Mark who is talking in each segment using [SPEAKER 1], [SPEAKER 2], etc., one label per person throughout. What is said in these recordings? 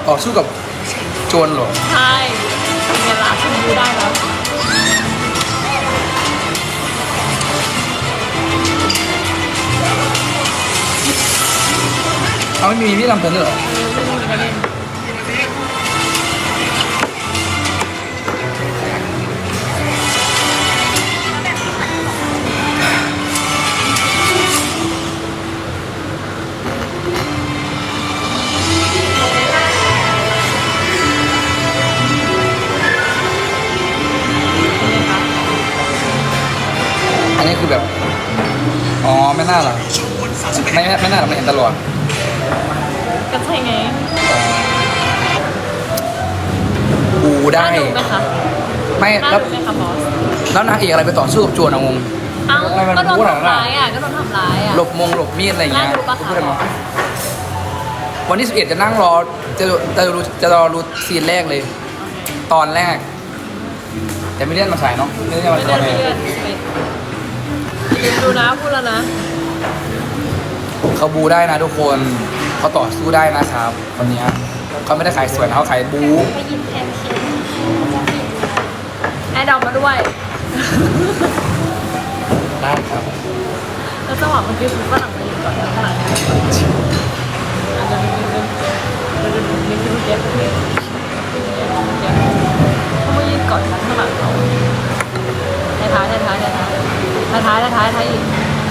[SPEAKER 1] ต่อสู้กับโจรเหรอ
[SPEAKER 2] ใช่เป็นไงล่ะฉันดูได้แล้ว
[SPEAKER 1] เอาไม่มีพี่ลำเพลินด้วยเหรอ
[SPEAKER 2] ไม่รู้จะเล่น
[SPEAKER 1] อันนี้คือแบบอ๋อไม่น่าหรอไม่น่าหรอกไม่เห็นตลอด
[SPEAKER 2] ก็ใช่ไง
[SPEAKER 1] กูได้
[SPEAKER 2] น่าดูไหมคะ
[SPEAKER 1] ไม่
[SPEAKER 2] น่า
[SPEAKER 1] แล้ว
[SPEAKER 2] ดูไหมคะบอส
[SPEAKER 1] แล้วนางเอกอะไรไปต่อสู้กับโจรอะงง
[SPEAKER 2] เอ้า
[SPEAKER 1] ไม่มัน
[SPEAKER 2] ก็โดน
[SPEAKER 1] พูดอะไร
[SPEAKER 2] ทำร้ายอ่ะก็โดนทำร้ายอ่ะ
[SPEAKER 1] หลบมีดอะไรอย่างเงี้ย
[SPEAKER 2] น่าดูปะคะ
[SPEAKER 1] พูดอะไรมาวันที่11จะนั่งรอจะรอรู้ซีนแรกเลย ตอนแรก แต่ไม่เลื่อนมาฉายเนาะไม่เลื่อนมา
[SPEAKER 2] ไม่
[SPEAKER 1] ต
[SPEAKER 2] เลื่
[SPEAKER 1] อ
[SPEAKER 2] อน น
[SPEAKER 1] ไหน
[SPEAKER 2] ไม่เลื่อนดูนะพูดแล้วนะ
[SPEAKER 1] เขาบูได้นะทุกคนเขาต่อสู้ได้นะครับคนเนี้ยเขาไม่ได้ขายสวยนะเขาขายบู
[SPEAKER 2] ไปหยิบแพนเค้กแอดดอกมาด้วย
[SPEAKER 1] ได้ครับ
[SPEAKER 2] แล้วจังหวะเมื่อกี้คือฝรั่งมายืนก่อนแล้วฝรั่งมายืนก่อนเขามายืนก่อนฉันข้างหลังเขาท้ายอีก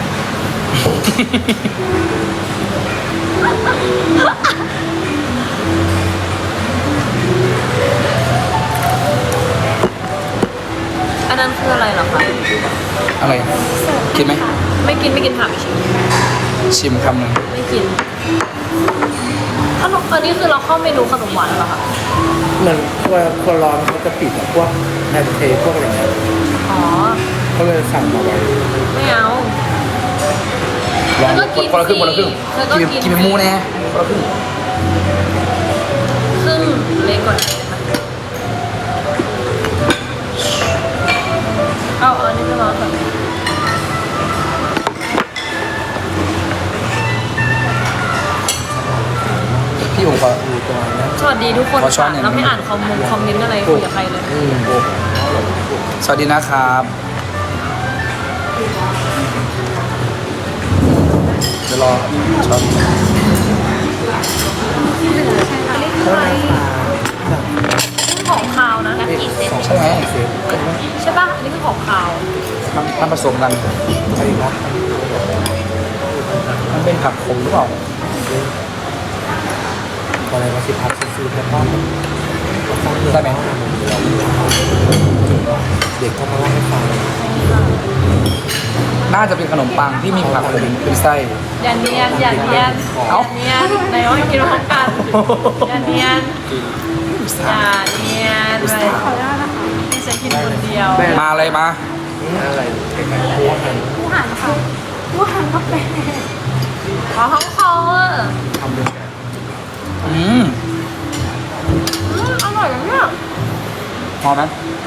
[SPEAKER 2] อันนั้นคืออะไรเหรอคะ
[SPEAKER 1] อะไรกินไหม
[SPEAKER 2] ไม่กินถามอีกชิ้น
[SPEAKER 1] ชิมคำหนึ่ง
[SPEAKER 2] ไม่กินขนมอันนี้คือเราเข้าเมนูขนมหวานแล้วเหรอคะ
[SPEAKER 3] เหมือนคนร้อนเขาจะปิดอะพวกแอนเทพวกอะไรเงี้ย
[SPEAKER 2] อ๋อ
[SPEAKER 3] เขาเลยสั่งมาไว้
[SPEAKER 2] ไม่เอา
[SPEAKER 1] ลอง
[SPEAKER 2] แล้วก็กิน
[SPEAKER 1] คนละครึ่งคนละครึ่ง
[SPEAKER 2] แล้วก็กิน
[SPEAKER 1] กินเป็นหมูแน่คนละครึ่ง
[SPEAKER 2] ครึ่งเล็กกว่านี้เอาอันนี้จะร้อนก่อน
[SPEAKER 1] พี่ผมขอ
[SPEAKER 3] ดูประมาณนี้
[SPEAKER 2] สวัสดีทุกคน
[SPEAKER 1] ขอช้อนหน่อย
[SPEAKER 2] เราไม่อ่านคอมเมนต์อะไรคุยกับใครเลย
[SPEAKER 1] สวัสดีนะครับเดี๋ยวรอช็อต
[SPEAKER 2] ของคาวนะ
[SPEAKER 1] ใช่ไหม
[SPEAKER 2] ใช่ป่ะอันนี้คือของคาว
[SPEAKER 1] มันผสมกัน
[SPEAKER 3] อะไรนะ
[SPEAKER 1] มันเป็นผักขมหรือเปล่า
[SPEAKER 3] อะไรมาสิพักซื้อแค่ป้อน
[SPEAKER 1] ได้ไหม
[SPEAKER 3] เด็กก็มาเล่าให้ฟัง
[SPEAKER 1] น่าจะเป็นขนมปังที่มีผักขมเป็นไส้
[SPEAKER 2] อย่าเนียนอย่าเนียน
[SPEAKER 1] เอ้า
[SPEAKER 2] อย่าเนียนไหนว่าให้กินพร้อมกันอย่าเนียนอย่าเนียนอะไรไม่ใช่กินคนเดียว
[SPEAKER 1] มาเลยมา
[SPEAKER 3] อะไรพวกนั้น
[SPEAKER 2] ขอห้องคออ่ะ
[SPEAKER 3] ทำเป็น
[SPEAKER 1] อืม
[SPEAKER 2] อร่อยนะเนี่ย
[SPEAKER 1] พอไหม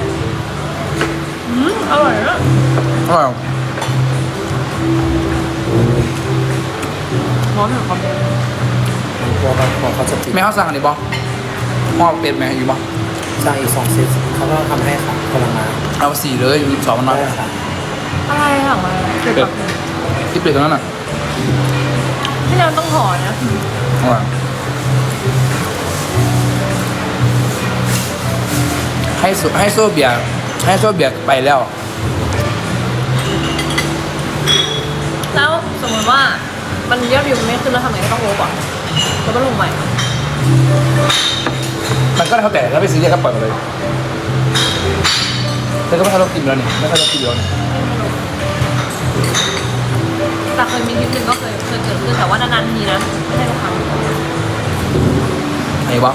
[SPEAKER 2] อร่อยนะ
[SPEAKER 1] อร่อย
[SPEAKER 2] ร้อนเหรอครับ
[SPEAKER 3] พวกนั้นเขาจะปิด
[SPEAKER 1] แม่เขาสั่งอันนี้บอหม้อเป็ดไหมอยู่บอ
[SPEAKER 3] สั่งอีก2 เซตเขาก็ทำให้ค่ะพลังงาน
[SPEAKER 1] เอาสี่เลยสองมันน้อย
[SPEAKER 3] ได้ค่ะ
[SPEAKER 2] อะไรอ่ะมาเกี่ยวกับ
[SPEAKER 1] ที่เป็ดตรงนั้นอ่ะ
[SPEAKER 2] พี่เราต้องห่อนะ
[SPEAKER 1] อร่อยให้โซเบียร์ไปแล้ว
[SPEAKER 2] แล้วสมมติว่ามันยอดวิวมันไม่ขึ้นแล้วทำไงก็ต้องลบอ่ะแล้วก็ลงใหม่
[SPEAKER 1] มันก็แล้วแต่ถ้าไปซื้อเนี่ยก็ปล่อยมาเลยแต่ก็ไม่ค่อยรบกินแล้วนี่ไม่ค่อยรบกินแล้วนี่
[SPEAKER 2] แต่เคยมีคลิปหนึ่งก็เคยเกิดขึ้นแต่ว่านานๆทีนะไม่ใช่ทุกครั้ง
[SPEAKER 1] ไอ้บอ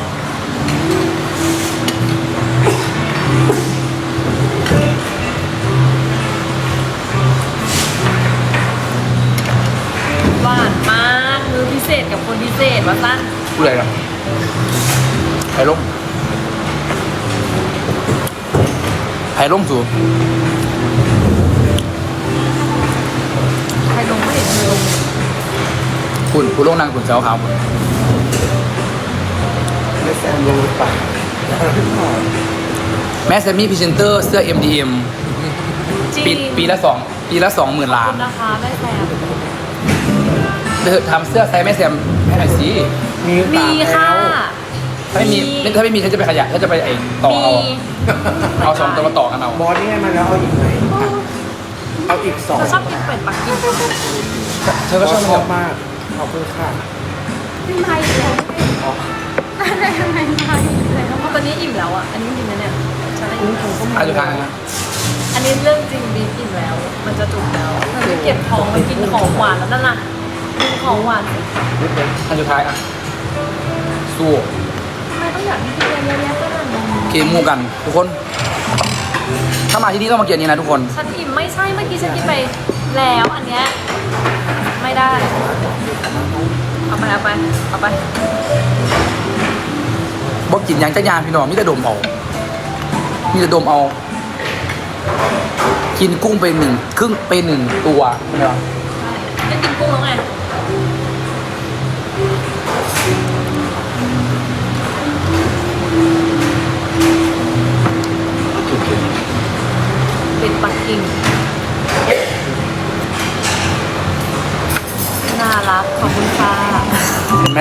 [SPEAKER 2] หวานมากมือพิเศษกับคนพิเศษว่าสั้น
[SPEAKER 1] พูดอะไรนะไผ่ล่มสูง
[SPEAKER 2] ใครลงไม่เห็นเลยลง
[SPEAKER 1] คุณลงนางคุณเจ้าขาวคุณ
[SPEAKER 3] ไม่แซมลงไป
[SPEAKER 1] แม่แซมมี่พรีเซนเตอร์เสื้อ MDM
[SPEAKER 2] จริง
[SPEAKER 1] ปีละ20,000 ล้าน
[SPEAKER 2] ขอบคุณนะคะแม่แซม
[SPEAKER 1] เธอทำเสื้อไซส์แม่แซมให้หน่อยสิ
[SPEAKER 3] มี
[SPEAKER 2] มีค่ะ
[SPEAKER 1] ถ้าไม่มีฉันจะไปขยะฉันจะไปต่อเอาสองตัวมาต่อกันเอา
[SPEAKER 3] บอสนี่ไงมาแล้วเอาอีกไหมเอาอีกสอง
[SPEAKER 2] เราชอบกินเป็ดปักกิ่ง
[SPEAKER 1] เธอก็ชอบ
[SPEAKER 3] ช
[SPEAKER 1] แบ
[SPEAKER 3] อบบ มากขอบคุณค่ะ
[SPEAKER 2] ไม่ไทยแล้วอะไรทำไมไทยแล้วตอนนี้อิ่มแล้วอ่ะอันนี้จริงนะเนี่ยฉันได้อิ่ม
[SPEAKER 1] อายุทางนะ
[SPEAKER 2] อันนี้เรื่องจริงบีบอิ่มแล้ว มันจะจุกแล้วมันจะเก็บของมากินของหวานแล้วนั่นน่ะกินของหวานสิ
[SPEAKER 1] อันสุดท้ายอ่ะสู้
[SPEAKER 2] ทำไมต้องอยากให้กินเยอะแยะขนาดนั้น
[SPEAKER 1] เกมมูกันทุกคน ถ้ามาที่นี่ต้องมาเกียรนี้นะทุกคน
[SPEAKER 2] ฉันอิ่มไม่ใช่เมื่อกี้ฉันกินไปแล้วอันเนี้ยไม่ได้ เอาไปเอาไปเอาไป
[SPEAKER 1] บอกกินหยังจะยานพี่น้องมีแต่ดมเอามีแต่ดมเอา กินกุ้งไปครึ่งไปหนึ่งตัวใช่ไหมวะ
[SPEAKER 2] จะกินกุ้งแล้วไงเป็นปักกิ่งน่ารักขอบคุณค่ะ
[SPEAKER 1] เห็นไหม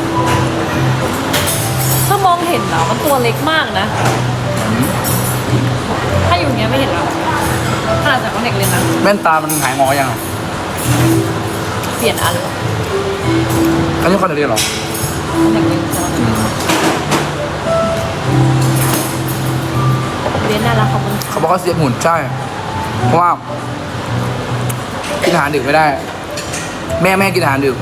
[SPEAKER 2] ถ้ามองเห็นเหรอมันตัวเล็กมากนะ ถ้าอยู่เนี้ยไม่เห็นหรอกขนาดจากคนเด็กเลยนะ
[SPEAKER 1] แว่นตามันหายงอยังอ่ะ
[SPEAKER 2] เปลี่ยนอันเหรอ
[SPEAKER 1] อันนี้คอนเทนต์เหรอ
[SPEAKER 2] คนเด็กเลยเรียนน่ารักขอบคุณค่ะ
[SPEAKER 1] เขาบอกเขาเสียหุ่นใช่ เพราะว่ากินอาหารดึกไม่ได้ แม่ให้กินอาหารดึก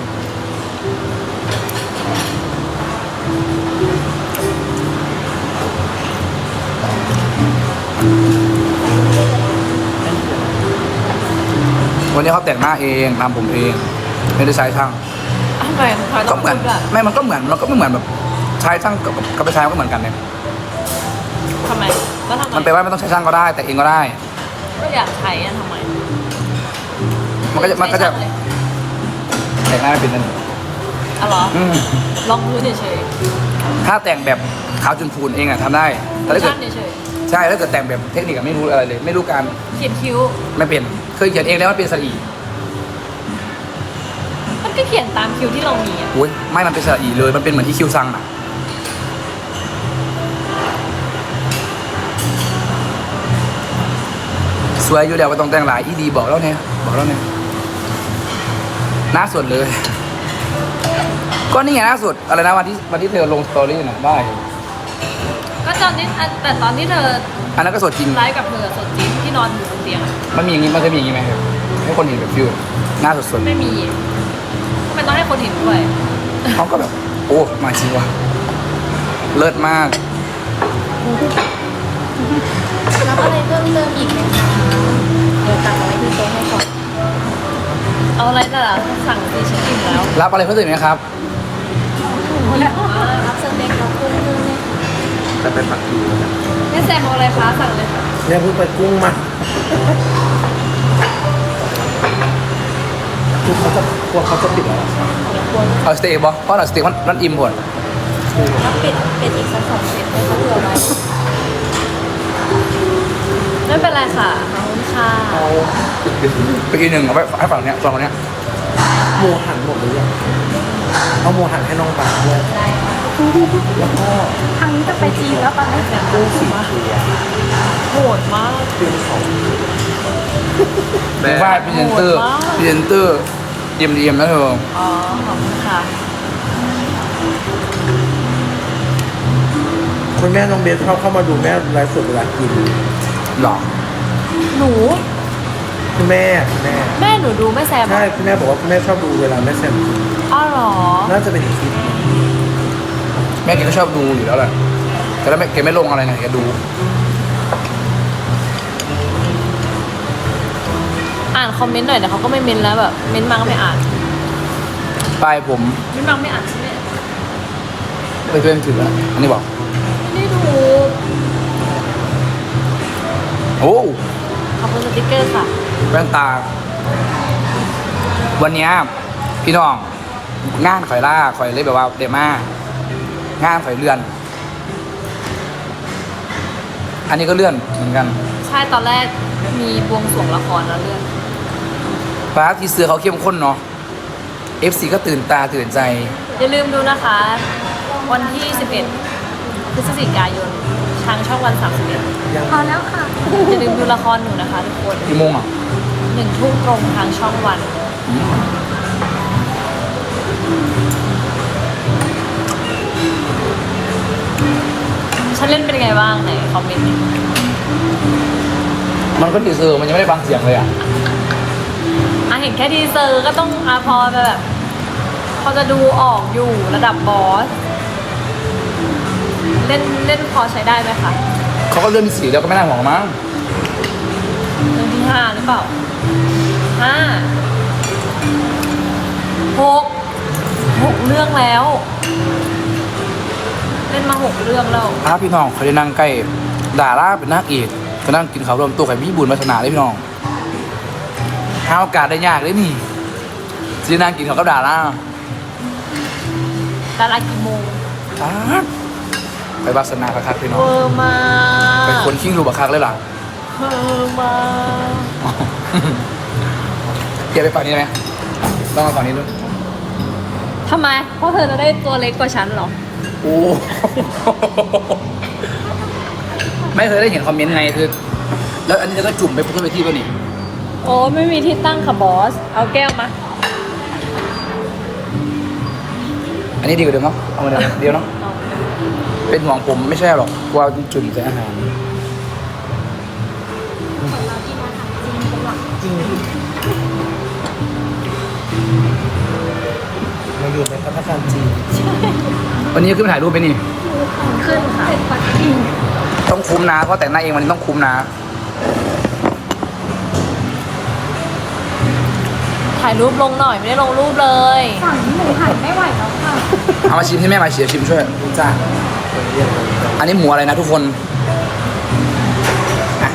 [SPEAKER 1] วันนี้เขาแต่งหน้าเองทำผมเอง ไม่ได้ใช้ช่าง
[SPEAKER 2] ทำไมทำไมต้
[SPEAKER 1] ก็
[SPEAKER 2] อง
[SPEAKER 1] เหมือน
[SPEAKER 2] พูดอะ
[SPEAKER 1] ไม่มันก็เหมือนมันก็ไม่เหมือนแบบใช้ช่างกับไปใช้มันก็เหมือนกันเนี่ย
[SPEAKER 2] ทำไมแล้วทำไม
[SPEAKER 1] มันไปลว่าไม่ต้องใช้ช่างก็ได้ แต่เองก็ได้
[SPEAKER 2] ก็อยากใช้อะทำไม
[SPEAKER 1] มันก็จะ
[SPEAKER 2] ใช้ช่างเลย
[SPEAKER 1] แต่งหน้าไม่เป็นนั่น
[SPEAKER 2] อ๋อเหรอ
[SPEAKER 1] อืม
[SPEAKER 2] ลองพื้นเฉย
[SPEAKER 1] ถ้าแต่งแบบขาวจนพูนเองอะทำได้
[SPEAKER 2] ๆ
[SPEAKER 1] แต่ถ้าเกิด
[SPEAKER 2] ชั่นเฉย
[SPEAKER 1] ใช่ถ้าเกิดแต่งแบบเทคนิคอะไม่รู้อะไรเลย ไม่รู้การ
[SPEAKER 2] ๆเขียนคิ้ว
[SPEAKER 1] ไม่เป็นเคยเขียนเองแล้วมันเป็นสระอี
[SPEAKER 2] มันก็เขียนตามคิ้วที่เรามีอะ
[SPEAKER 1] โอ้ยไม่มันเป็นสระอีเลยมันเป็นเหมือนที่คิวซังอะสวยอยู่แล้วว่าต้องแต่งหลายอีดีบอกแล้วเนี่ยหน้าสดเลย ก็นี่ไงหน้าสดอะไรนะวันที่เธอลงสตอรี่น่ะได้
[SPEAKER 2] ก็ตอนนี้แต่ตอนที่เธอ
[SPEAKER 1] อันนั้นก็สดจริง
[SPEAKER 2] ไลฟ์กับเธอสดจริงที่นอนอยู่บนเตียงอะ
[SPEAKER 1] มันมีอย่างนี้มันจะมีอย่างนี้ไหมครับให้คนเห็นแบบฟิวหน้าสด
[SPEAKER 2] ไม่มีทำไมต้องให้คนเห็นด้วย
[SPEAKER 1] ๆเขาก็แบบ โอ้มาจริงว่ะเลิศมาก
[SPEAKER 4] รับอะไรเพิ่มเติมอีกไหมคะ เดี๋ยวตักเอาไว้ที่โต๊ะให้ก่อน
[SPEAKER 2] เอาอะไรแต่ละสั่งสิฉันอิ่มแล้ว
[SPEAKER 1] รับอะไรเพิ่มเติมอีกไหมครับ
[SPEAKER 4] รับสเต็กรับกุ้งเพิ่มไหมคะ
[SPEAKER 3] จะไปปักกิ่งแล้วนะ
[SPEAKER 2] แม่แซมเอาอะไรคะสั่งเลยค่ะ
[SPEAKER 3] เนี่ยเพิ่งไปกุ้งมาคือเขาจะกลัวเขาจะปิดแล้วเหรอ
[SPEAKER 1] เอาสเต็กบอเพราะเราสเต็กมันอิ่มหมด
[SPEAKER 4] รับเป็ดอีกสัก2 เซตให้เขาเผื่อไว้
[SPEAKER 2] ไม่เป็นไรค่ะขอบคุณค่ะ
[SPEAKER 3] เอา
[SPEAKER 1] ไปกินหนึ่งเอาไปให้ฝั่งเนี้ยฝั่งคนเนี้ย
[SPEAKER 3] หมูหันหมดหรือยังเอาหมูหันให้น้องบาสด้วย
[SPEAKER 4] ได้ค่ะ
[SPEAKER 3] แล้วก็
[SPEAKER 4] ทางนี้จะไปจีนแล้วตอนนี้
[SPEAKER 3] กุ้งสีเขียว
[SPEAKER 2] โหดมาก
[SPEAKER 3] เป็นของ
[SPEAKER 1] เป็นว่าพรีเซนเตอร์
[SPEAKER 2] โหดมาก
[SPEAKER 1] พรีเซนเตอร์เดียมนะเธอ
[SPEAKER 2] อ๋อขอบคุณค่ะ
[SPEAKER 3] คุณแม่น้องเบสเข้ามาดูแม่ไลฟ์สดเวลากิน
[SPEAKER 1] หรอ
[SPEAKER 2] หนู
[SPEAKER 3] คุณแม่
[SPEAKER 2] แม่หนูดูแม่แซม
[SPEAKER 3] ใช่คุณแม่บอกว่าคุณแม่ชอบดูเวลาแม่แซมกิน
[SPEAKER 2] อ้าวเหรอ
[SPEAKER 3] น่าจะเป็นอีกคลิป
[SPEAKER 1] แม่แกก็ชอบดูอยู่แล้วแหละแต่แล้วแกไม่ลงอะไรไงแกดู
[SPEAKER 2] อ่านคอมเมนต์หน่อยแต่เขาก็ไม่เมนแล้วแบบเมนมาก็ไม่อ่าน
[SPEAKER 1] ปลายผม
[SPEAKER 2] เมนมาไม่อ่านใช่ไหม
[SPEAKER 1] ไปเพื่อนถือแล้วอันนี้บอก
[SPEAKER 2] ไม่ได้ดู
[SPEAKER 1] โอ้
[SPEAKER 2] ขอบคุณสติ๊กเกอร์ค่ะ
[SPEAKER 1] แว่นตา วันเนี้ยพี่น้องงานข่อยล่าข่อยเลยแบบว่าเดมางานข่อยเรือนอันนี้ก็เลื่อนเหมือนกัน
[SPEAKER 2] ใช่ตอนแรกมีบวงสรวงละครแล้วเลื่อน
[SPEAKER 1] ฟ้าทีเสือเขาเข้มข้นเนาะ FC ก็ตื่นตาตื่นใจ
[SPEAKER 2] อย่าลืมดูนะคะ วันที่ 11 พฤศจิกายนทางช่องวัน 31
[SPEAKER 4] พอแล้วค่ะ
[SPEAKER 2] อย่าลืมดูละครหนูนะคะทุกคน
[SPEAKER 1] กี่โมงอ่ะ
[SPEAKER 2] 1 ทุ่มตรงทางช่องวัน ฉันเล่นเป็นไงบ้างไหนคอมเมนต์ดิ
[SPEAKER 1] มันก็ทีเซอร์มันยังไม่ได้ฟังเสียงเลยอ่ะ
[SPEAKER 2] เห็นแค่ทีเซอร์ก็ต้องพอจะแบบพอจะดูออกอยู่ระดับบอส เล่นพอใช้ได้ไหมคะ
[SPEAKER 1] เขาก็เลื่อนที่4แล้วก็ไม่น่าห่วงมั้ง
[SPEAKER 2] เรื่องที่ 5 หรือเปล่า 6 เรื่องแล้ว เล่นมา 6 เรื่องแล้ว
[SPEAKER 1] พี่น้องเขาจะนั่งใกล้ดาราเป็นนักเอกก็นั่งกินข้าวรวมตัวกับพี่บุญวัฒนาเลยพี่น้องหาโอกาสได้ยากเลยนี่จะนั่งกินข้าวกับดารา
[SPEAKER 2] ดารากี่โมง
[SPEAKER 1] ไปวาสนาคักๆพี่น้อง
[SPEAKER 2] เวอร์มา
[SPEAKER 1] เป็นคนขิ้งรูบักคักเลยล่ะ
[SPEAKER 2] เวอร์มา
[SPEAKER 1] เกียร์ไปฝั่งนี้ได้ไหมต้องมาฝั่งนี้ด้วย
[SPEAKER 2] ทำไม เพราะเธอจะได้ตัวเล็กกว่าฉันเหรอ
[SPEAKER 1] โอ้ ไม่เคยได้เห็นคอมเมนต์ไงคือ แล้วอันนี้ก็จุ่มไปขึ้นไปที่ป่ะนี่
[SPEAKER 2] โอ้ไม่มีที่ตั้งค่ะบอส เอาแก้วมา
[SPEAKER 1] อันนี้ดีกว่าเดิมเนาะเอามาเดียวเนาะ
[SPEAKER 2] เอา
[SPEAKER 1] เป็นห่วงผมไม่ใช่หรอกกลัวจุ่มใส่อาหาร
[SPEAKER 3] จริงมาอยู่ในพัฒนาการจีน
[SPEAKER 1] วันนี้ขึ้นไปถ่ายรูปไปนี่
[SPEAKER 2] ขึ้นค่ะ
[SPEAKER 1] ต้องคุ้มนะเพราะแต่งหน้าเองวันนี้ต้องคุ้มนะ
[SPEAKER 2] ถ่ายรูปลงหน่อยไม่ได้ลงรูปเลย
[SPEAKER 4] ฝั่งนี้หนูหันไม่ไหวแล้วค่ะ
[SPEAKER 1] เอามาชิมให้แม่มาเฉียชิมช่วยจ้า
[SPEAKER 3] คนเรียกมันก็
[SPEAKER 1] อันนี้หมูอะไรนะทุกคนอ่ะ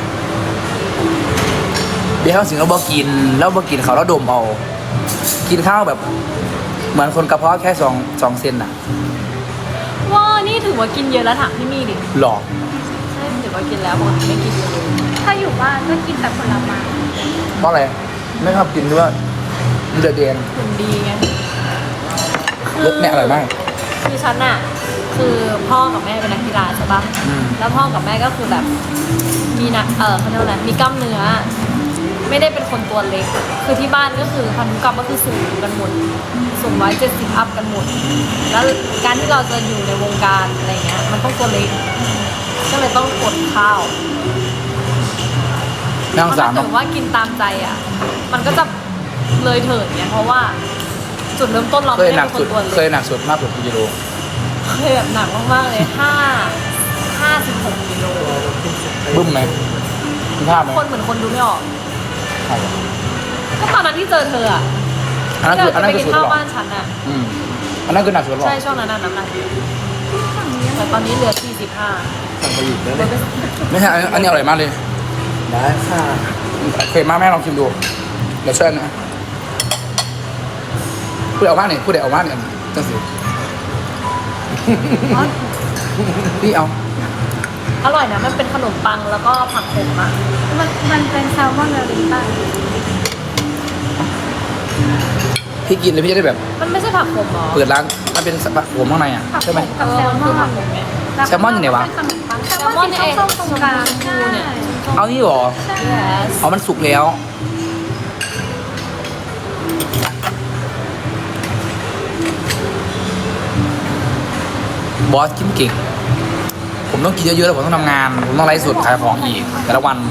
[SPEAKER 1] เดี๋ยวเขาสิงเราบอกกินแล้วบอกกินเขาแล้วดมเอากินข้าวแบบ เหมือนคนกระเพาะแค่2 เซนน่ะ
[SPEAKER 2] ว้านี่ถือว่ากินเยอะแล้วถามพี่มี่ดิ
[SPEAKER 1] หลอก
[SPEAKER 2] ใช่ถือว่ากินแล้วปกติไม่กินเลย
[SPEAKER 4] ถ้าอยู่บ้านก็กินแต่ผลไม้
[SPEAKER 1] เพราะอะไรไม่ชอบกินด้วยเดือดเดน
[SPEAKER 2] หุ่นดีไง
[SPEAKER 1] รสเนี่ยอร่อยมาก
[SPEAKER 2] คือฉันอะคือพ่อกับแม่เป็นนักกีฬาใช่ปะ
[SPEAKER 1] อืม
[SPEAKER 2] แล้วพ่อกับแม่ก็คือแบบมีนักเขาเรียกว่าอะไรมีกล้ามเนื้อ ไม่ได้เป็นคนตัวเล็ก คือที่บ้านก็คือพันธุกรรมก็คือสูงกันหมดสูง170อัพกันหมด แล้วการที่เราจะอยู่ในวงการอะไรเงี้ย มันต้องตัวเล็ก ก็เลยต้องอดข้าว
[SPEAKER 1] นั่งสาม
[SPEAKER 2] ถ้า
[SPEAKER 1] เนาะ
[SPEAKER 2] เกิดว่ากินตามใจอ่ะ มันก็จะเลยเถิดเนี่ยเพราะว่าจุดเริ่มต้นเรา
[SPEAKER 1] เค
[SPEAKER 2] ไม่
[SPEAKER 1] ย
[SPEAKER 2] ได้
[SPEAKER 1] หนัก
[SPEAKER 2] เป็นค
[SPEAKER 1] สุด
[SPEAKER 2] นตัว
[SPEAKER 1] เค
[SPEAKER 2] เล็
[SPEAKER 1] ย
[SPEAKER 2] ก
[SPEAKER 1] หนักสุดมากกว่ากี่กิโล
[SPEAKER 2] เคยแบบหนักมากๆเลย56กิโล
[SPEAKER 1] บึ้มไหมคุณภาพไหม
[SPEAKER 2] คนเหมือนคนดูไม่ออก
[SPEAKER 1] ใช่
[SPEAKER 2] ก็ตอนนั้นที่เจอเธออ่ะ
[SPEAKER 1] อันนั้น
[SPEAKER 2] ที่
[SPEAKER 1] คืออัน
[SPEAKER 2] เรา
[SPEAKER 1] นั้น
[SPEAKER 2] จะไป
[SPEAKER 1] คือ
[SPEAKER 2] กิน
[SPEAKER 1] สุด
[SPEAKER 2] ข้าว
[SPEAKER 1] หรอ
[SPEAKER 2] บ้านฉันอ่ะ
[SPEAKER 1] อืมอันนั้นคือหนักสุดหรอ
[SPEAKER 2] ใช่ช่วงนั้นน่ะน้ำหนักเยอะแต่ตอนนี้เหลือ45
[SPEAKER 3] สั่งไปอีกแล้วเนี่ย
[SPEAKER 1] ไม่ใช่อันนี้อร่อยมากเลย
[SPEAKER 3] ได้ค่ะ
[SPEAKER 1] เคยมากแม่ลองชิมดูเดี๋ยวช่วยนะพูดเอาบ้านเนี่ยพูดเอาบ้านเนี่ยจังสิพี่เอา
[SPEAKER 2] อร่อยนะมันเป็นขนมปังแล้วก็ผักขมอ่ะ
[SPEAKER 4] มันเป็นแซลมอนเนอริต้า
[SPEAKER 1] พี่กินเลยพี่จะได้แบบ
[SPEAKER 2] มันไม่ใช่ผักขมหรอ
[SPEAKER 1] เปิดร้านมันเป็นผมข้างในอ่ะ
[SPEAKER 4] ผัก
[SPEAKER 1] ใช่ไหม
[SPEAKER 4] กับแซลม
[SPEAKER 2] คือ
[SPEAKER 4] อ
[SPEAKER 2] ผั
[SPEAKER 4] น
[SPEAKER 2] กขมไง
[SPEAKER 1] แซลมอนอยู่ไหนวะ
[SPEAKER 4] เป็นขนมปัง
[SPEAKER 2] แซลมอนนี่เอง
[SPEAKER 4] ส้มๆตรงกลาง
[SPEAKER 2] ชมพูเนี่ย
[SPEAKER 1] เอานี่หรอ
[SPEAKER 2] yes
[SPEAKER 1] เอามันสุกแล้วบอสกินเก่งผมต้องกินเยอะๆแล้วผมต้องทำงานผมต้องไลฟ์สดขายของอีกแต่ละวัน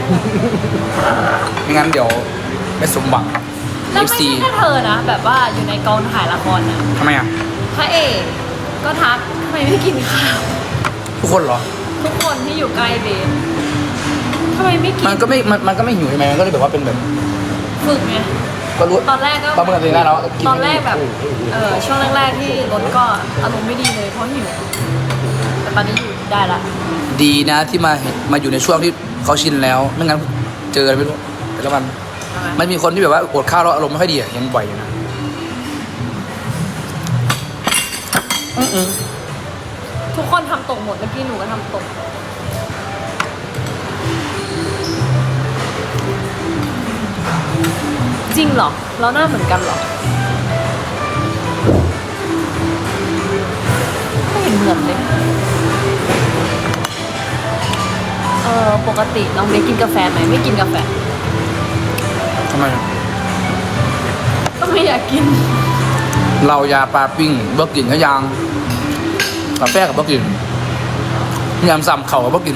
[SPEAKER 1] ไม่งั้นเดี๋ยวไม่สมหวัง
[SPEAKER 2] แล้วไม่
[SPEAKER 1] FC
[SPEAKER 2] ใช่แค่เธอนะ แบบว่าอยู่ในกองถ่ายละครนะ
[SPEAKER 1] ทำไมอ่ะ
[SPEAKER 2] พระเอกก็ทักทำไมไม่กินข้าว
[SPEAKER 1] ทุกคนเหรอ
[SPEAKER 2] ทุกคนที่อยู่ใกล้เบนทำไมไม่กิน
[SPEAKER 1] มันก็ไม่หิวใช่ไหมมันก็เลยแบบว่าเป็นแบบ
[SPEAKER 2] ฝึกไง
[SPEAKER 1] ก็รู้
[SPEAKER 2] ตอนแรกก็
[SPEAKER 1] ประเมินตัวเองได้แล้วกิน
[SPEAKER 2] ตอนแรกแบบช่วงแรกๆที่รถก็อารมณ์ไม่ดีเลยเพราะหิวแต่ตอนนี้อยู่ได้ละ
[SPEAKER 1] ดีนะที่มาอยู่ในช่วงที่เขาชินแล้วไม่งั้นเจออะไรไม่รู้แต่ละวัน
[SPEAKER 2] ใช่ไหม
[SPEAKER 1] มันมีคนที่แบบว่าอดข้าวแล้วอารมณ์ไม่ค่อยดีอะยังบ่อยอยู่นะ
[SPEAKER 2] ทุกคนทำตกหมดเมื่อกี้หนูก็ทำตกริงเหรอ เราหน้าเหมือนกันเหรอ ไม่เห็นเหมือนเลย ปกติน้องเบสกินกาแฟไหมไม่กินกาแฟ
[SPEAKER 1] ทำไม
[SPEAKER 2] ก็ไม่อยากกิน
[SPEAKER 1] เรายาปลาปิ้งเบิกกินก็ยังกาแฟกับเบิกกินยำซ้ำเข่ากับเบิกกิน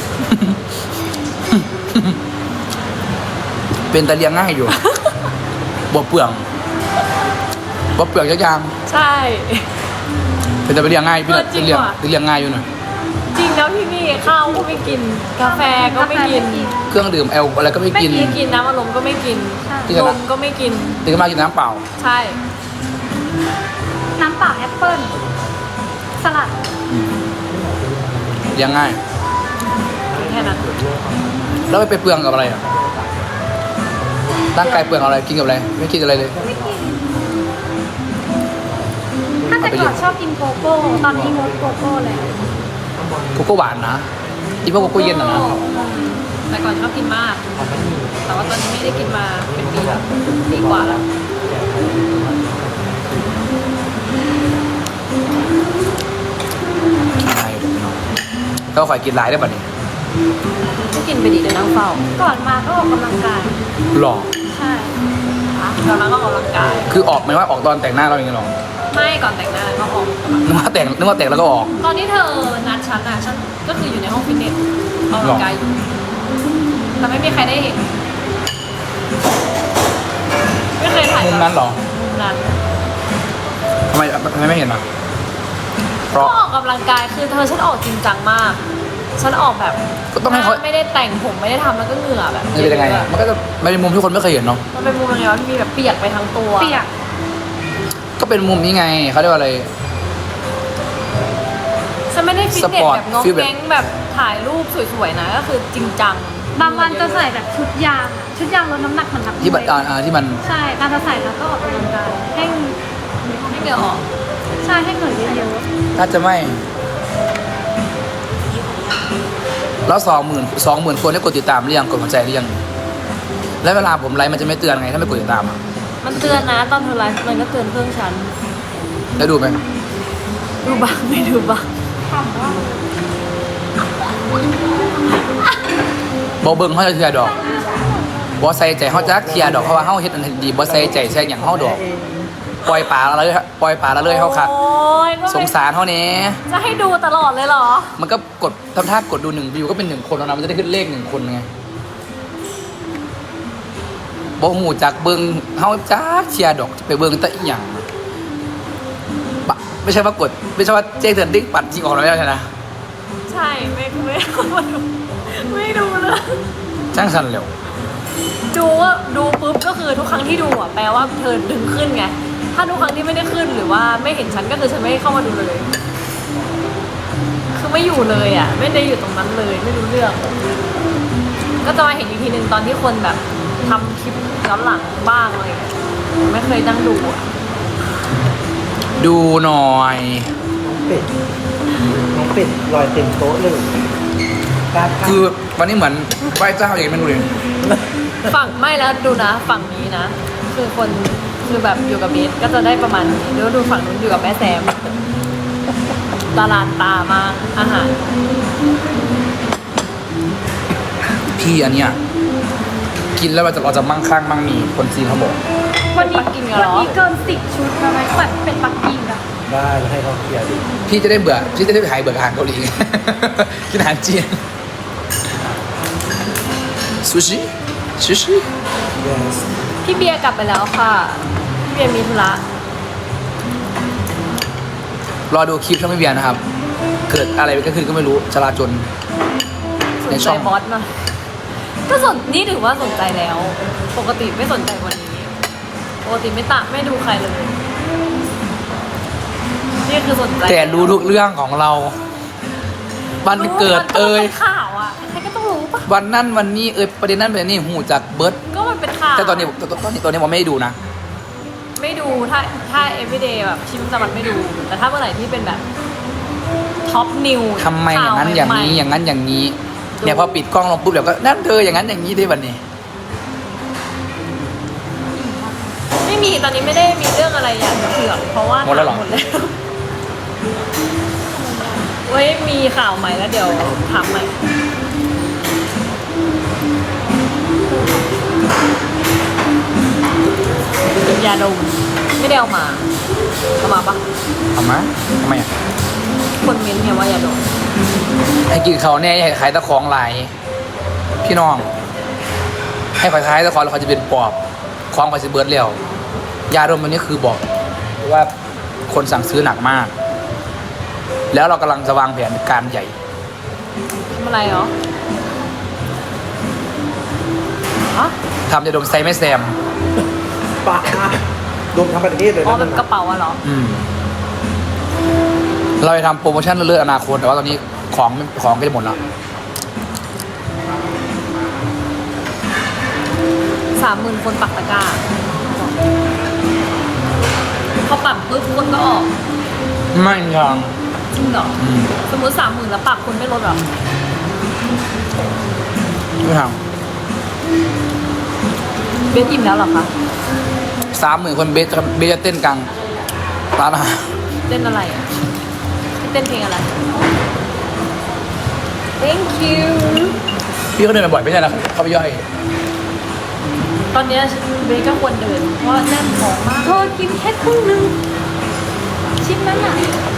[SPEAKER 1] เป็นตะเลียงง่ายอยู่ บวเปลืองบวเปลืองยักยาง
[SPEAKER 2] ใช่
[SPEAKER 1] เป็นตะเลียงง่ายพี่น่ะ
[SPEAKER 2] จริง
[SPEAKER 1] เลียง
[SPEAKER 2] ว่ะ
[SPEAKER 1] เลียงง่ายอยู่หน่อย
[SPEAKER 2] จริงแล้วพี่นี่ข้าวก็ไม่กิน กาแฟก็ไม่กิน
[SPEAKER 1] เครื่องดื่มแอลอะไรก็ไม่กิน
[SPEAKER 2] ไม่กินน้ำอารมณ์ก็ไม่กิน
[SPEAKER 1] จริงเหรอ
[SPEAKER 2] นมก็ไม่กิน
[SPEAKER 1] ตื่นมากินน้ำเปล่า
[SPEAKER 2] ใช่
[SPEAKER 4] น้ำเปล่าแอปเปิ้ลสลัด
[SPEAKER 1] เลียงง่าย
[SPEAKER 2] แค่นั้น
[SPEAKER 1] แล้วไปเปลืองกับอะไรอ่ะร่างกายเปลืองอะไรกินกับอะไรไม่กินอะไรเลย
[SPEAKER 4] ไม่กินถ้าแต่ก่อนชอบกินโกโก้ตอนนี้งดโกโก้แล้ว
[SPEAKER 1] โกโก้หวานนะอีพวกโกโก้เย็นนะ
[SPEAKER 2] แต่ก่อนชอบกินมาก แต่ว่าตอนนี้ไม่ได้กินมาเป็นปีแล้วปีกว่าแล้ว
[SPEAKER 1] ใช่ก็คอยกินหลายได้ป่ะนี่
[SPEAKER 2] ก็กินไปดีเลยนั่งเฝ้า
[SPEAKER 4] ก่อนมาก็ออกกำลังกาย
[SPEAKER 1] หล่อ
[SPEAKER 4] ใช่
[SPEAKER 2] ตอนนั้นก็ออกกำลังกาย
[SPEAKER 1] คือออกไหมว่าออกตอนแต่งหน้าเราอย่างเงี้ยหรอ
[SPEAKER 2] ไม่ก่อนแต่งหน้าก็ออก
[SPEAKER 1] นึกว่าแต่งแล้วก็ออก
[SPEAKER 2] ตอนที่เธอนัดฉันฉันก็คืออยู่ในห้องฟิตเนสออกกำลังกายอยู่ แต่ไม่มีใครได้เห็น ไม่เคยถ่าย
[SPEAKER 1] มุมนั้นเหรอ
[SPEAKER 2] มุมนั้น
[SPEAKER 1] ทำไมไม่เห็นอ่ะเพ
[SPEAKER 2] ก็
[SPEAKER 1] ราะ
[SPEAKER 2] ออกกำลังกายคือฉันออกจริงจังมาก ฉันออกแบบ
[SPEAKER 1] ก็ต้องให้เขา
[SPEAKER 2] ไม่ได้แต่งผมไม่ได้ทำแล้วก็เหงื่อแบบ
[SPEAKER 1] มันเป็นยังไงอ่ะมันก็จะไม่เป็นมุมที่คนไม่เคยเห็นเนาะ
[SPEAKER 2] มันเป็นมุมยังไงวะที่มีแบบเปียกไปทั้งตัว
[SPEAKER 4] เปียก
[SPEAKER 1] ก็เป็นมุมนี้ไงเขาเรียกว่าอะไร
[SPEAKER 2] ฉันไม่ได้ฟิตเน
[SPEAKER 1] ส
[SPEAKER 2] ส
[SPEAKER 1] ปอร์ต
[SPEAKER 2] แบบงง
[SPEAKER 1] ฟีลแบบ
[SPEAKER 2] แง้งแบบถ่ายรูปสวยๆนะก็คือจริงจัง
[SPEAKER 4] บางวันจะใส่แบบชุดยางอะชุดยางลดน้ำหนักเหมือนนักมวย
[SPEAKER 1] ที่บัตที่มัน
[SPEAKER 4] ใช่การจะใส่แล้วก็ออกกำลังกายให้
[SPEAKER 2] ให้เหงื่อออก
[SPEAKER 4] ใช่ให้เหงื่อเยอะ
[SPEAKER 1] น่าจะไม่แล้ว20,000คนได้กดติดตามหรือยังกดหัวใจหรือยังแล้วเวลาผมไลฟ์มันจะไม่เตือนไงถ้าไม่กดติดตามอ่ะ
[SPEAKER 2] มันเตือนนะตอนเธอไลฟ์มันก็เตือนเครื่องฉัน
[SPEAKER 1] แล้วดูไหม
[SPEAKER 2] ดูบ้างไม่ดูบ้าง
[SPEAKER 4] ๆถามว่า
[SPEAKER 1] บอเบิ้งเขาจะเทียดอกบอใส่ใจเขาจะเทียดอกเพราะว่าเขาเฮ็ดอันดีบอใส่ใจใส่อย่างเขาดอกปล่อยป่าละเลยเขาคัก
[SPEAKER 2] โอ้ยก็
[SPEAKER 1] สงสารเขาเนี้ย
[SPEAKER 2] จะให้ดูตลอดเลยเหรอ
[SPEAKER 1] มันก็กดทำท่ากดดู1 วิวก็เป็น1 คนแล้วนะมันจะได้ขึ้นเลข1 คนไงบอหูจากเบิ้งเขาจ้าเชียร์ดอกไปเบิ้งแต่อีหยังบะไม่ใช่ว่ากดไม่ใช่ว่าเจ๊เตือนดิ้งปัดจริงออกแล้วใช่ไหม
[SPEAKER 2] ใช่ไม่เข้ามาดูไม่ดูเลย
[SPEAKER 1] ช่างสันเร็ว
[SPEAKER 2] ดูว่าดูปุ๊บก็คือทุกครั้งที่ดูอ่ะแปลว่าเธอดึงขึ้นไงถ้าทุกครั้งที่ไม่ได้ขึ้นหรือว่าไม่เห็นฉันก็คือฉันไม่เข้ามาดูเลย คือไม่อยู่เลยอ่ะ ไม่ได้อยู่ตรงนั้นเลยไม่รู้เรื่อง ก็จะมาเห็นอีกทีหนึ่งตอนที่คนแบบทำคลิปย้อนหลังบ้างอะไรอย่างเงี้ยไม่เคยนั่งดูอ่ะ
[SPEAKER 1] ดูหน่อย
[SPEAKER 3] น้องเป็ดลอยเต็มโต๊ะเลยการ
[SPEAKER 1] คือวันนี้เหมือนไหว้เจ้าอย่างไม่รู้เลย
[SPEAKER 2] ฝั่งไม่แล้วดูนะ ฝั่งนี้นะ คือคนคือแบบอยู่กับเบสก็จะได้ประมาณนี้แล้วดูฝั่งนู้นอยู่กับแม่แซมตาลานตามากอาหาร
[SPEAKER 1] พี่อันเนี้ยกินแล้วเราจะมั่งคั่งมั่งมีคนจีนเขาบอก
[SPEAKER 4] วันนี้
[SPEAKER 2] ปักกิ่งเหรอ
[SPEAKER 4] วันนี้เกิน10 ชุดแล้วไหมแบบเป็นปักกิ่งอะ
[SPEAKER 3] ได้แล้วให้เขาเคลียร์ดิ
[SPEAKER 1] พี่จะได้หายเบื่ออาหารเกาหลี กินอาหารจีนซูชิ
[SPEAKER 3] yes
[SPEAKER 2] พี่เบียร์กลับไปแล้วค่ะพี่เบียร์มีธุระ
[SPEAKER 1] รอดูคลิปช่องพี่เบียร์นะครับ เกิดอะไรก็ขึ้นก็ไม่รู้จราจน
[SPEAKER 2] ส
[SPEAKER 1] ใน
[SPEAKER 2] น
[SPEAKER 1] ช่
[SPEAKER 2] ใจ
[SPEAKER 1] อง
[SPEAKER 2] บอสมาก็นี่ถือว่าสนใจแล้ว ปกติไม่สนใจวันนี้ปกติไม่ดูใครเลยนี่คือสนใจ
[SPEAKER 1] แต่รู้ทุกเรื่องของเราวันเกิด
[SPEAKER 2] มันเป็นข่าวอ่ะใครก็ต้องรู้ปะ
[SPEAKER 1] วันนั้นวันนี้ประเด็นนั้นประเด็นนี้หูจากเบิร์ด
[SPEAKER 2] ก็มันเป็นข่าว
[SPEAKER 1] แต่ตอนนี้ผมไม่ได้ดูนะ
[SPEAKER 2] ไม่ดูถ้า everyday แบบชีวิตประจำวันไม่ดู แต่ถ้าเมื่อไหร่ที่เป็นแบบท็อปนิว
[SPEAKER 1] ทำไมอย่างนั้นอย่างนี้อย่างนั้นอย่างนี้เนี่ยพอปิดกล้องลงปุ๊บเดี๋ยวก็นั่นเธออย่างนั้นอย่างนี้ได้วันนี้
[SPEAKER 2] มีตอนนี้ไม่ได้มีเรื่องอะไรอยากจะเผือกเพราะว่า
[SPEAKER 1] หมดแล้วเหรอ
[SPEAKER 2] หมดแล้วเว้ยมีข่าวใหม่แล้วเดี๋ยวถามใหม่ยาดมไม่ได้เอามาปะ
[SPEAKER 1] เอามาทำไมอ่ะ
[SPEAKER 2] คนเม้นต์เนี่ยว่ายาดม
[SPEAKER 1] ให้กินเขาแน่ให้ขายตะของหลายพี่น้อง ให้ขายตะของแล้วเขาจะเป็นปอบของเขาจะเบิร์ดเร็วยาดมตัวนี้คือบอกว่าคนสั่งซื้อหนักมาก แล้วเรากำลังจะวางแผนการใหญ่
[SPEAKER 2] ทำอะไรเหรอฮะ
[SPEAKER 1] ทำยาดมไซไม่แซม
[SPEAKER 3] ปะรวมทั้งประเทศเลย
[SPEAKER 2] อ๋อ
[SPEAKER 3] นะ
[SPEAKER 2] เป็นกระเป๋าอะเหรอ
[SPEAKER 1] เราจะทำโปรโมชั่นเรื่อยๆอนาคตแต่ว่าตอนนี้ของก็จะหมดแล้ว
[SPEAKER 2] 30,000 คนปักตะกร้าพอปักปุ๊บคนก็ออก
[SPEAKER 1] ไม่ยัง
[SPEAKER 2] จริงเหรอสมมติ 30,000 แล้วปักคนไม่ลดเหรอ
[SPEAKER 1] ไม่ท
[SPEAKER 2] เบสอิ่มแล้วเหรอคะ
[SPEAKER 1] ำ30,000 คนเบสจะเต้นกลางร้านอาหาร
[SPEAKER 2] เต้นอะไรอ่ะเต้นเพลงอะไร thank you
[SPEAKER 1] พี่ก็เดินบ่อยไม่ใช่นะเขาไปย่อย
[SPEAKER 2] ตอนเนี้ยเบสก็ควรเดิน เพราะแน่นท้องมากเธอกินแค่ครึ่งนึง ชิ้นนั้นอ่ะ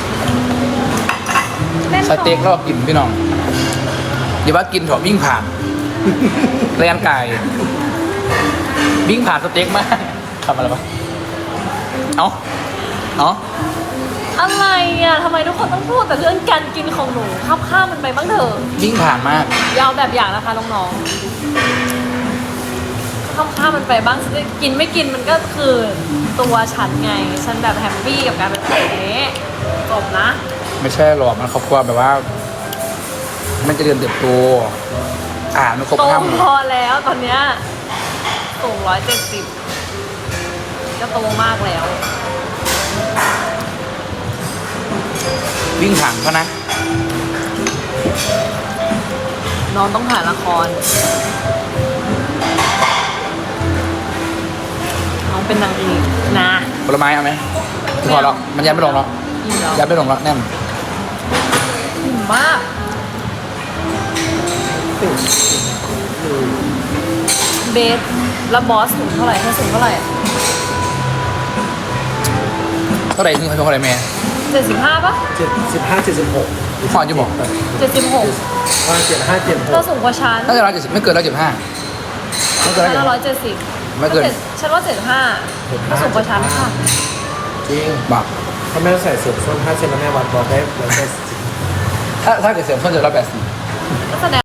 [SPEAKER 2] แน่น
[SPEAKER 1] ส
[SPEAKER 2] ท้อง
[SPEAKER 1] เต็กรอบกินพี่น้องอย่าว่ากินเถอะวิ่งผ่านแรงกายวิ่งผ่านสเต็กมากทำอะไรวะเอา
[SPEAKER 2] อะไรอ่ะทำไมทุกคนต้องพูดแต่เรื่องการกินของหนูข้ามมันไปบ้างเถอะ
[SPEAKER 1] วิ่งผ่านมาก
[SPEAKER 2] ยาวแบบอย่างนะคะน้องๆข้ามมันไปบ้างกินไม่กินมันก็คือตัวฉันไง ฉันแบบแฮปปี้กับการเป็นแบบนี้จบนะ
[SPEAKER 1] ไม่ใช่หรอกมันครอบครัวแบบว่า มันจะเรียนเติบโตมันครบ
[SPEAKER 2] โต
[SPEAKER 1] ห้า
[SPEAKER 2] พอแล้วตอนเนี้ยสูง170ก็โตมากแล้ว
[SPEAKER 1] วิ่งผ่านเขานะ
[SPEAKER 2] น้องต้องถ่ายละคร น้องเป็นนางเอกนะ
[SPEAKER 1] ผลไม้เอาไหมพอแล้วมันยันไม่ลงแล้ว
[SPEAKER 2] อิ่มแล้ว
[SPEAKER 1] ยันไม่ลงแล้วแน่น
[SPEAKER 2] อิ่มมากเบสแล้วบอสสูงเท่าไหร่เธอสูงเท่าไหร่อะ
[SPEAKER 1] เท่าไหร่ที่เขาชมเท่าไหร่แม่
[SPEAKER 2] 75ปะ
[SPEAKER 3] 75 76
[SPEAKER 1] พ่อจะบอก
[SPEAKER 2] 76
[SPEAKER 3] ว่า75
[SPEAKER 2] เธอสูงกว่าฉัน
[SPEAKER 1] น่าจะ170ไม่เกิน175ไม่เกิน
[SPEAKER 2] ฉันละ
[SPEAKER 1] 170
[SPEAKER 2] 170
[SPEAKER 1] ไม่เกิน
[SPEAKER 2] ฉันว่า75เธอสูงกว่าฉันค่ะ
[SPEAKER 3] จริง
[SPEAKER 1] บอก
[SPEAKER 3] ถ้าแม่ใส่เสื้อส้น5 เซนแล้วแม่วัดบอกได้180
[SPEAKER 1] ถ้าเกิดเสริมส้นจะ180
[SPEAKER 2] ก็แสดง